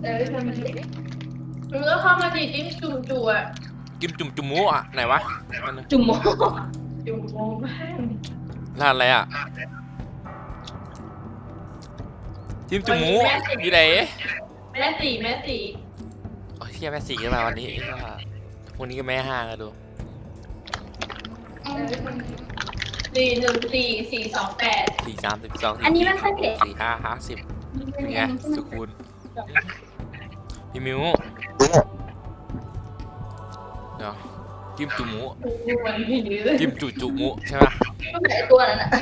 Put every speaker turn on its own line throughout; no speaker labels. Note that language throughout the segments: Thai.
เดี๋ยวทำมันดิมึงก็เข้ามาดิจิ้มจุ่มจุ่อ่ะ
กิมจุ่มจุ่มหมูอ่ะไหนวะ
จุ่มโมจุ่มโมแม่ง
ร้านอะไรอ่ะจิ้มจุ่มหมูอยู่ไหน
แม่สี
โอ้ยเที่ยแม่สี่ขึ้นมาวันนี้พวกนี้ก็แม่ห้างอะดู
41428
4 3 12
อันนี้มันค่อยเผ็ด
4 5 50เป็นไงสุคูณพี่มิวเดี๋ยวจิ้มจุ่มหมู
วันนี้เลย
จิ้มจุ่มหมูใช่ปะ
ไอตัวนั้นอ่ะ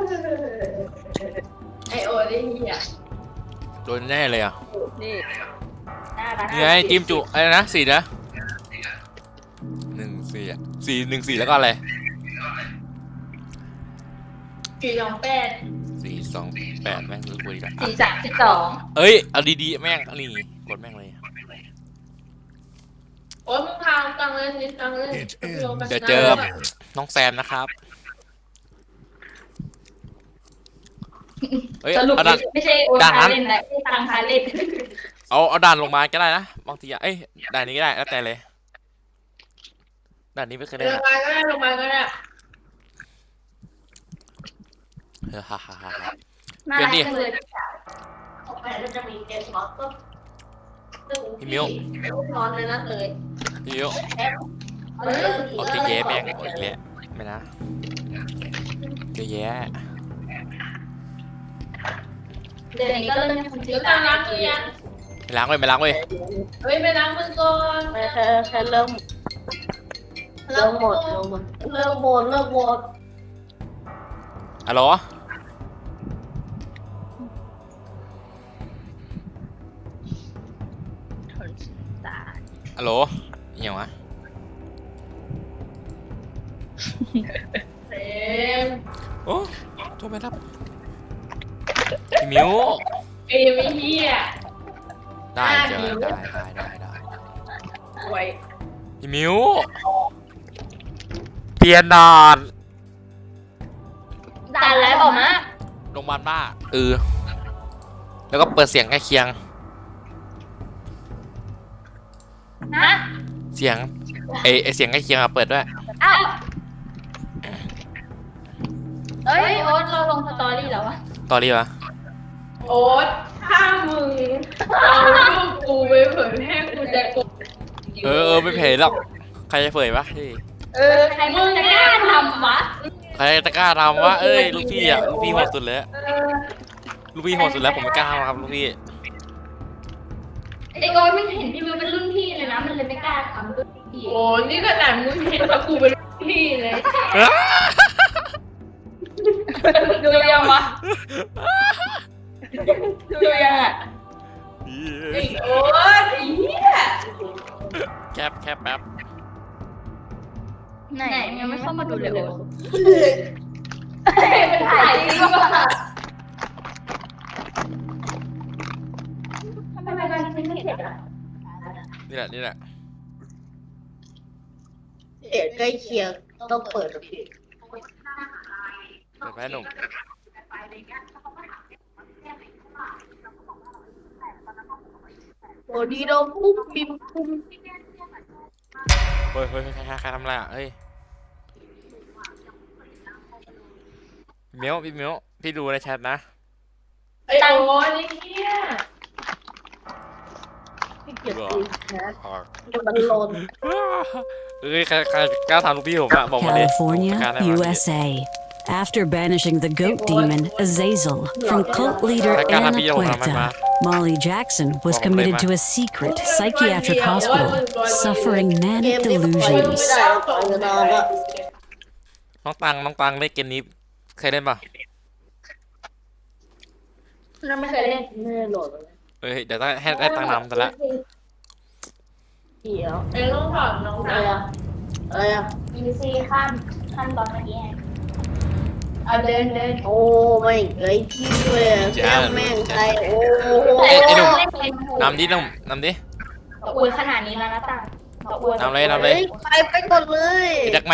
ไอโอได้เหี้ย
โดนแน่เลยอ่ะ
นี่น่ารัก
นี่ไงจิ้มจุอะไรนะ4นะ14อ่ะ4 1 4แล้วก็อะไร
428
4 2 8แม่งรู้คุยกัน
4 3 12
เอ้ยเอาดีๆแม่งนี่กดแม่งเลย
โอ้ยมึงทางกลางเลยนิดกลางเลย
เดี๋ยวเจอน้องแซมนะครับเอ้ย
สรุป
เอาด่าน
ไม่ใช่โอนคาเล่นนะไม่ตังคาเล่น
เอาด่านลงมาก็ได้นะบางทีเอ้ยด่านนี้ก็ได้แล้วแต่เลยด่านนี้ไม่เคย
ล
เล่น
ง
อะ
มาก็ได้ลงมาก็ได้
ฮ่าฮ่าฮ่าฮ่า
น่ารักจังเลย
ออกไปแล้วจะมีเกมช็อตก็
พี่มิว
ร้อนเลยนะเลย
พี่มิว
เอาเลย
โอเคแย่แม่งโอ้ยแย่ไม่นะเกแย่
เดี๋ยวนี้ก็เริ่มมีคน
เดี๋
ชื่
ย
อ
วกลางล้างมือยัง
ไม่ล้างเว้ยไม่ล้างเว้ย
เฮ้ยไปล้างมือก่อน
แค่เริ่มหมด
เลิกโหวต
ฮัลโหล ฮัลโหลเอี่ยวะ
เต็ม
โอ้โทรไปรับพี่มิว
ไอ้ไม่เหี้ย
ได้เจอได้
ไว้
พี่มิวเปลี่ยนด่าน
ด่านแล้วบอกมา
โรงพยาบาลบ้าแล้วก็เปิดเสียงใกล้เคียง
ฮะ
เสียงไอเสียงใกล้เคียงอะเปิดด้วย
อ้าวเอ้ยโอ๊ตเราลงสตอรี่แล้ววะ
ตอรี่วะ
โอ๊ตถ้ามึงเอารูปกูไปเผยแพร่กูจะกด
ไม่เผยหรอกใครจะเผยวะเฮ้ย
ใครมึงจะกล้าทำวะ
ใครจะกล้าทำวะเอ้ยลูกพี่อะลูกพี่โหดสุดเลยลูกพี่โหดสุดแล้วผมไม่กล้าทำครับลูกพี่
ไอโอ๊ตมันเห็นพี่มิวเป็นรุ่นพี่เลยนะมันเลยไม่กล้าทำรุ่นพี่
โอ้นี่ขนาดมึงเห็นว่ากูเป็นพี่เลย
ดูยังวะดูยังอ่ะ
ไอ้โอ๊ตไอ้เหี้ย
แคบแป๊บ
ไหนยังไม่เข้ามาดูเลยโอ๊ตมันถ่ายจริงป่ะทำไมการกินไม่เผ็ดอ่ะ
นี่แหละ
เดี๋ยวใกล้เคียงต้องเปิดเพลง
เปิดแม่หนุ่ม
โอ้ดีโดนปุ๊บปิ๊บปุ๊บ
เฮ้ยใครทำอะไรอ่ะเฮ้ยพี่มิวพี่ดูในแชทนะ
ไอ้โอ๊ตไอ้เหี้ยเก็บตีนะมันหล่น
เอ้ยใครกล้าทำลูกพี่ผมอะบอกมาดิ
California,
กล้าได้ไหม
USA. After banishing the goat demon Azazel from cult leader Anna Puerta, Molly Jackson was committed to a secret psychiatric hospital, suffering manic delusions.
น้องตังเล่นเกมนี้เคยเล่นป่ะ
เราไม่เคยเล่น
ไม่ได้โหลดเลย
เฮ้ยเดี๋ยวต้องให้ได้ตังนำแต่ละ
เดี๋ยวเอ็งต้องถามน้องอะไรอ่ะ
อินซีขั้นตอนเมื่อกี้
เดินโอ้ไม่เคยพี่เลยแก้แม่งใจโอ้
ไอ้หนุ่ม
เล่นเป็น
นำดิ
อวยขนาดนี้แล้วนะตาอวย
นำเลย
ไปก่อนเลย
ไอ้แจ็ค